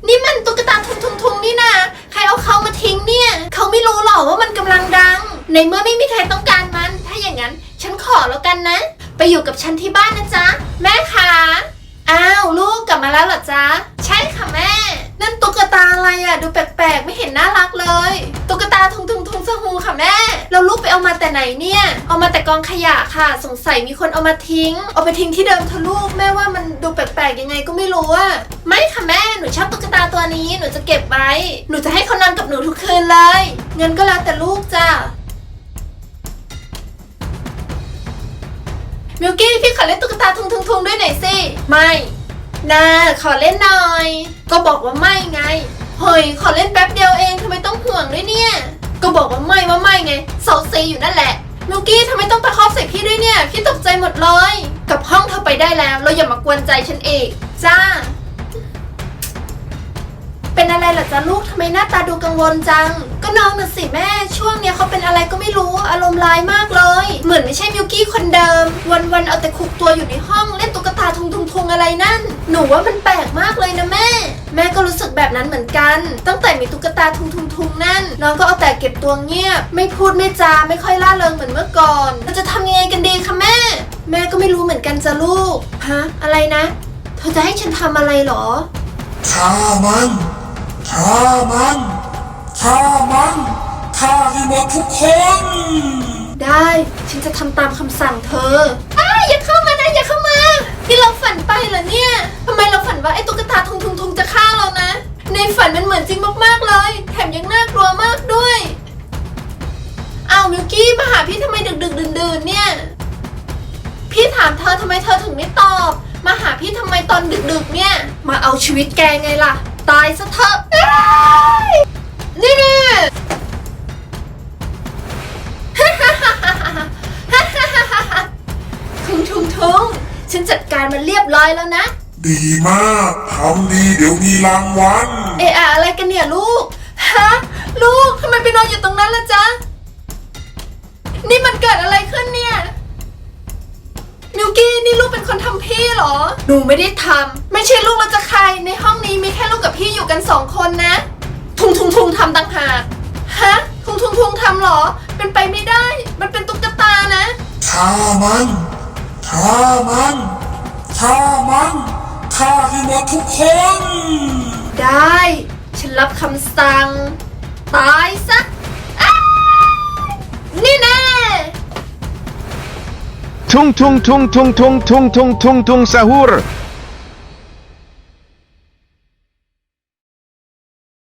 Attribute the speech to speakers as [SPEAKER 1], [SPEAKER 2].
[SPEAKER 1] นี่มันตุ๊กตาทุงนี่นะใครเอาเขามาทิ้งเนี่ยเขาไม่รู้หรอกว่ามันกำลังดังในเมื่อไม่มีใครต้องการมันถ้าอย่างนั้นฉันขอแล้วกันนะไปอยู่กับฉันที่บ้านนะจ๊ะแม่คะอ้าวลูกกลับมาแล้วเหรอจ๊ะใช่ค่ะแม่นั่นตุ๊กตาอะไรอะดูแปลกๆไม่เห็นน่ารักเลยตุ๊กตาทุงสฮูค่ะแม่แล้วลูกไปเอามาแต่ไหนเนี่ยเอามาแต่กองขยะค่ะสงสัยมีคนเอามาทิ้งเอาไปทิ้งที่เดิมเถอะลูกแม่ว่ามันดูแปลกๆยังไงก็ไม่รู้อะไม่ค่ะแม่หนูชอบตุ๊กตาตัวนี้หนูจะเก็บไว้หนูจะให้เขานอนกับหนูทุกคืนเลยเงินก็แล้วแต่ลูกจ้ะมิวกี้พี่ขอเล่นตุ๊กตาทุงด้วยหน่อยสิไม่นาขอเล่นหน่อยก็บอกว่าไม่ไงเฮ้ยขอเล่นแป๊บเดียวเองทำไมต้องห่วงด้วยเนี่ยก็บอกว่าไม่ไงเซาซีอยู่นั่นแหละมิวกี้ทำไมต้องตะคอกใส่พี่ด้วยเนี่ยพี่ตกใจหมดเลยกลับห้องเธอไปได้แล้วเราอย่ามากวนใจฉันเองจ้าเป็นอะไรเหรอจ๊ะลูกทำไมหน้าตาดูกังวลจังก็น้องน่ะสิแม่ช่วงเนี้ยเขาเป็นอะไรก็ไม่รู้อารมณ์ร้ายมากเลยเหมือนไม่ใช่มิวกี้คนเดิมวันเอาแต่ขุกตัวอยู่ในห้องเล่นตุ๊กตาทุงอะไรนั่นหนูว่ามันแปลกมากเลยนะแม่ก็รู้สึกแบบนั้นเหมือนกันตั้งแต่มีตุ๊กตาทุงนั่นน้องก็เอาแต่เก็บตัวเงียบไม่พูดไม่จาไม่ค่อยล่าเริงเหมือนเมื่อก่อนเราจะทำยังไงกันดีคะแม่ก็ไม่รู้เหมือนกันจ้ะลูกฮะอะไรนะเธอจะให้ฉันทำอะไรหรอ
[SPEAKER 2] ฆ่ามันฆ่าให้หมดทุกคน
[SPEAKER 1] ได้ฉันจะทำตามคำสั่งเธออย่าเข้ามานะอย่าเข้ามาที่เราฝันไปเหรอเนี่ยทำไมเราฝันว่าไอ้ตุ๊กตาทุงจะฆ่าเรานะในฝันมันเหมือนจริงมากๆเลยแถมยังน่ากลัวมากด้วยอ้าวมิวกี้มาหาพี่ทำไมดึกดื่นเนี่ยพี่ถามเธอทำไมเธอถึงไม่ตอบมาหาพี่ทำไมตอนดึกเนี่ยมาเอาชีวิตแกไงล่ะตายซะเถอะนี่ทุงฉันจัดการมันเรียบร้อยแล้วนะ
[SPEAKER 2] ดีมากทำดีเดี๋ยวมีรางวัล
[SPEAKER 1] อะไรกันเนี่ยลูกลูกทำไมไปนอนอยู่ตรงนั้นล่ะจ๊ะนี่มันเกิดอะไรขึ้นเนี่ยมิวกี้นี่ลูกเป็นคนทำพี่เหรอหนูไม่ได้ทำไม่ใช่ลูกแล้วจะใครในห้องนี้มีแค่ลูกกับพี่อยู่กัน2 คนนะทุงทำต่างหากทุงทำเหรอเป็นไปไม่ได้มันเป็นตุ๊กตานะ
[SPEAKER 2] ฆ่ามันฆ่าให้หมดทุกคน
[SPEAKER 1] ได้ฉันรับคำสั่งตายซะนี่แน่
[SPEAKER 3] tung sahur